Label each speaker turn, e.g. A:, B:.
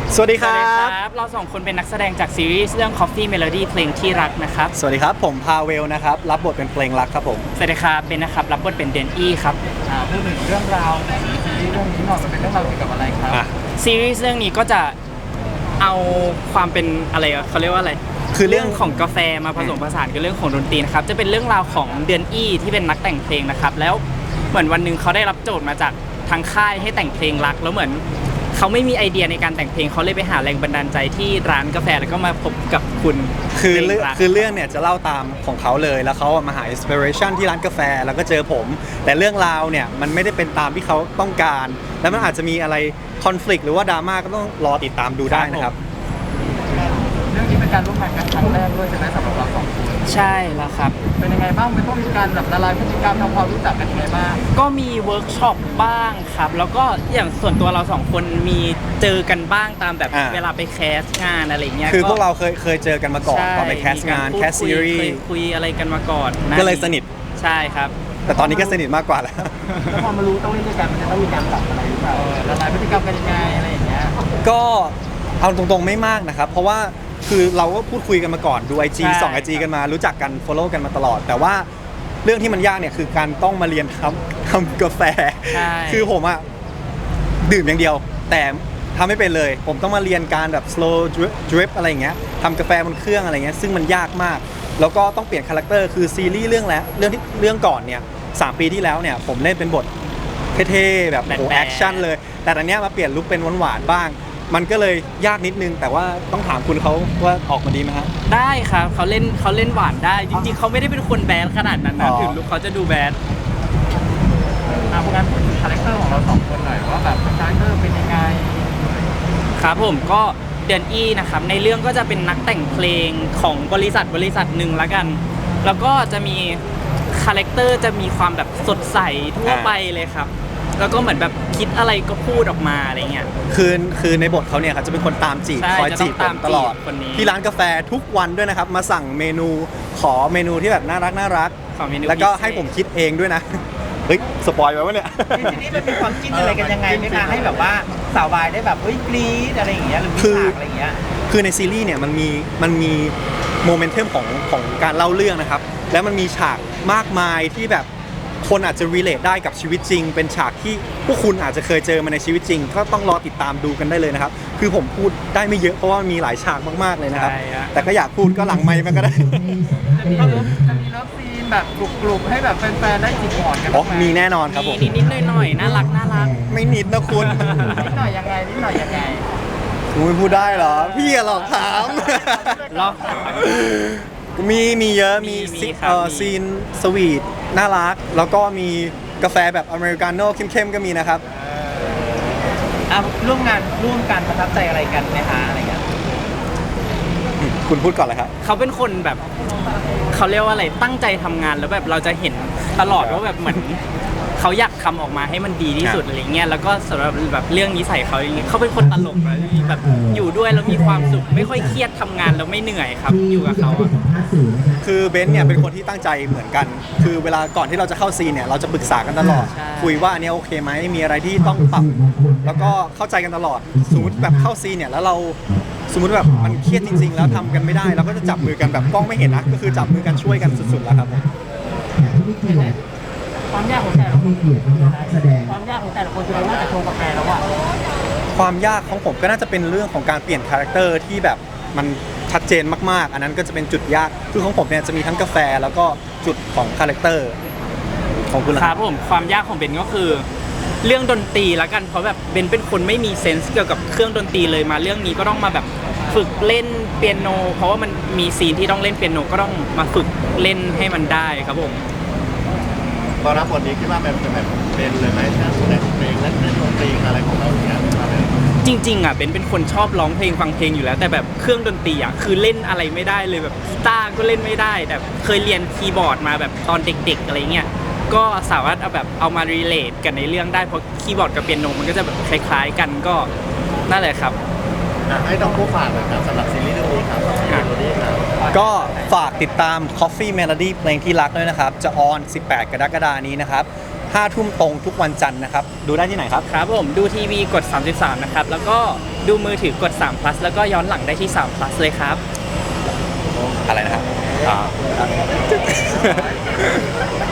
A: สวัสดีครับ
B: เราสองคนเป็นนักแสดงจากซีรีส์เรื่อง Coffee Melody เพลงที่รักนะครับ
A: สวัสดีครับผมพาเวลนะครับรับบทเป็นเพลงรักครับผม
B: สวัสดีครับเบนนะครับรับบทเป็นเดนอี้ครับ
C: พูดถึงเรื่องราวของซีรีส์เรื่องนี้หน่อยมันเป็นเรื่องราวเกี่ยวกับอะไรครับ
B: ซีรีส์เรื่องนี้ก็จะเอาความเป็นอะไรเขาเรียกว่าอะไร
A: คือเรื่อง
B: ของกาแฟมาผสมผสานกับเรื่องของดนตรีนะครับจะเป็นเรื่องราวของเดนอี้ที่เป็นนักแต่งเพลงนะครับแล้วเหมือนวันนึงเขาได้รับโจทย์มาจากทางค่ายให้แต่งเพลงรักแล้วเหมือนเขาไม่มีไอเดียในการแต่งเพลงเขาเลยไปหาแรงบันดาลใจที่ร้านกาแฟแล้วก็มาพบกับคุณ
A: คือเรื่องเนี่ยจะเล่าตามของเขาเลยแล้วเขามาหาอินสปิเรชันที่ร้านกาแฟแล้วก็เจอผมแต่เรื่องราวเนี่ยมันไม่ได้เป็นตามที่เขาต้องการแล้วมันอาจจะมีอะไรคอนฟ lict หรือว่าดราม่าก็ต้องรอติดตามดูได้นะครับ
C: เรื่องนี้เป็นการร่วมงานกันครั้งแรกด้วยใช่ไหมสำหรับเราสองคน
B: ใช่แล้วครับ
C: เป็นยังไงบ้างมันต้องมีการแบบละลายพฤติกรรมทำความรู้จักกันยังไงบ้าง
B: ก็มีเวิร์กช็อปบ้างครับแล้วก็อย่างส่วนตัวเราสองคนมีเจอกันบ้างตามแบบเวลาไปแคสงานอะไรเงี้ย
A: คือพวกเราเคยเจอกันมาก่อนตอนไปแคสงานแคสซีรีส์
B: คุยอะไรกันมาก่อน
A: ก็เลยสนิท
B: ใช่ครับ
A: แต่ตอนนี้ก็สนิทมากกว่าแล้ว
C: พอมารู้ต้องเล่นด้วยกันมันจะต้องมีการปรับอะไรหรือเปล่าละลายพฤติกรรมกันยังไงอะไรอย่างเงี้ย
A: ก็เอาตรงๆไม่มากนะครับเพราะว่าคือเราก็พูดคุยกันมาก่อนดู IG ส่อง IG กันมารู้จักกัน follow กันมาตลอดแต่ว่าเรื่องที่มันยากเนี่ยคือการต้องมาเรียนทำกาแฟคือผมอะดื่มอย่างเดียวแต่ทำไม่เป็นเลยผมต้องมาเรียนการแบบ slow drip อะไรอย่างเงี้ยทำกาแฟบนเครื่องอะไรเงี้ยซึ่งมันยากมากแล้วก็ต้องเปลี่ยนคาแรคเตอร์คือซีรีส์เรื่องก่อนเนี่ย3 ปีที่แล้วเนี่ยผมเล่นเป็นบทเท่ๆแบบโอ้แอคชั่นเลยแต่ตอนนี้มาเปลี่ยนลุคเป็นหวานๆบ้างมันก็เลยยากนิดนึงแต่ว่าต้องถามคุณเขาว่าออกมาดีไหมฮะ
B: ได้ครับเขาเล่นหวานได้จริงๆเขาไม่ได้เป็นคนแบดขนาดนั้นนะถึงลุคเขาจะดูแบด
C: พวกนั้นพูดถึงคาแรคเตอร์ของเราสองคนหน่อยว่าแบบคาแรคเตอร์เป็นยังไง
B: ครับผมก็เดนอี้นะครับในเรื่องก็จะเป็นนักแต่งเพลงของบริษัทหนึ่งละกันแล้วก็จะมีคาแรคเตอร์จะมีความแบบสดใสทั่วไปเลยครับแล้วก็เหมือนแบบคิดอะไรก็พูดออกมาอะไรเงี้ย
A: คือในบทเขาเนี่ยครับจะเป็นคนตามจีบคอยจีบผมตลอดที่ร้านกาแฟทุกวันด้วยนะครับมาสั่งเมนูขอเมนูที่แบบน่ารักแล้วก็ให้ผมคิดเองด้วยนะเฮ้ยสปอยล์ไปวะเนี่ย
C: ทีนี้มันมีความจิ้นอะไรกันยังไงไหมคะให้แบบว่าสาววายได้แบบเฮ้ยกรี๊ดอะไรอย่างเงี้ยหรือมีฉากอะไรอย่างเงี้ย
A: คือในซีรีส์เนี่ยมันมีโมเมนตัมของการเล่าเรื่องนะครับแล้วมันมีฉากมากมายที่แบบคนอาจจะ relate ได้กับชีวิตจริงเป็นฉากที่พวกคุณอาจจะเคยเจอมาในชีวิตจริงก็ต้องรอติดตามดูกันได้เลยนะครับคือผมพูดได้ไม่เยอะเพราะว่ามีหลายฉากมากๆเลยนะครับแต่ก็อยากพูดก็หลังไมค์มันก็ได้
C: จะมีเลิฟซีนแบบกลุ่มให้แบบแฟนๆได้จิกหมอนกัน
A: มีแน่นอนครับผม
B: นิดหน่อยน่ารัก
A: ไม่นิดนะคุณ
C: นิดหน่อยยังไง
A: คุณพูดได้เหรอพี่หลอกถาม
B: หรอ
A: มีเยอะมีซีนสวีทน่ารักแล้วก็มีกาแฟแบบอเมริกาโน่เข้มๆก็มีนะครับ
C: ร่วมกันประทับใจอะไรกันไหมคะอะไรอย่างเงี้ย
A: คุณพูดก่อนเลยครับ
B: เขาเป็นคนแบบเขาเรียกว่าอะไรตั้งใจทำงานแล้วแบบเราจะเห็นตลอดว่าแบบเหมือนเขาอยากทำออกมาให้มันดีที่สุดอะไรเงี้ยแล้วก็สำหรับแบบเรื่องนิสัยเขาอย่างเงี้ยเขาเป็นคนตลกนะแบบอยู่ด้วยแล้วมีความสุขไม่ค่อยเครียดทำงานแล้วไม่เหนื่อยครับอยู่กับเขา
A: คือเบนซ์เนี่ยเป็นคนที่ตั้งใจเหมือนกันคือเวลาก่อนที่เราจะเข้าซีนเนี่ยเราจะปรึกษากันตลอดคุยว่าอันนี้โอเคไหมมีอะไรที่ต้องปรับแล้วก็เข้าใจกันตลอดสมมติแบบเข้าซีนเนี่ยแล้วเราสมมติแบบมันเครียดจริงๆแล้วทำกันไม่ได้เราก็จะจับมือกันแบบกล้องไม่เห็นนะก็คือจับมือกันช่วยกันสุดๆแล้วครับ
C: ความยากของแต่ละคนความยากของแต่ละคนคือเราน่าจะโชว์กาแฟแล้วอะ
A: ความยากของผมก็น่าจะเป็นเรื่องของการเปลี่ยนคาแรคเตอร์ที่แบบมันชัดเจนมากๆอันนั้นก็จะเป็นจุดยากคือของผมเนี่ยจะมีทั้งกาแฟแล้วก็จุดของคาแรคเตอร์ของคุณ
B: ครับผมความยากของเบนก็คือเรื่องดนตรีละกันเพราะแบบเบนเป็นคนไม่มีเซนส์เกี่ยวกับเครื่องดนตรีเลยมาเรื่องนี้ก็ต้องมาแบบฝึกเล่นเปียโนเพราะว่ามันมีซีนที่ต้องเล่นเปียโนก็ต้องมาฝึกเล่นให้มันได้ครับผม
D: พอรับบทนี้คิดว่าแบบเป็นเลยไหมทั้งแต่งเพลงและเล่นดนตรีอะไรของเราเนี่ย
B: จริงๆอ่ะเป็นคนชอบร้องเพลงฟังเพลงอยู่แล้วแต่แบบเครื่องดนตรีอ่ะคือเล่นอะไรไม่ได้เลยแบบกีตาร์ก็เล่นไม่ได้แต่เคยเรียนคีย์บอร์ดมาแบบตอนเด็กๆอะไรเงี้ยก็สามารถเอามารีเลทกันในเรื่องได้เพราะคีย์บอร์ดกับเปียโนมันก็จะแบบคล้ายๆกันก็นั่นแหละครับ
D: ให้ต้องผู้ฝากหน่อยครับสำหรับซีรีส์เรื่องนี้ครับ
A: ก็ฝากติดตาม Coffee Melody เพลงที่รักด้วยนะครับจะออน18 กรกฎาคมนี้นะครับ 5 ทุ่มตรงทุกวันจันทร์นะครับดูได้ที่ไหนครับ
B: ครับผมดูทีวีกด 33 นะครับ แล้วก็ดูมือถือกด3 plus แล้วก็ย้อนหลังได้ที่3 plus เลยครับ
A: อะไรนะครับ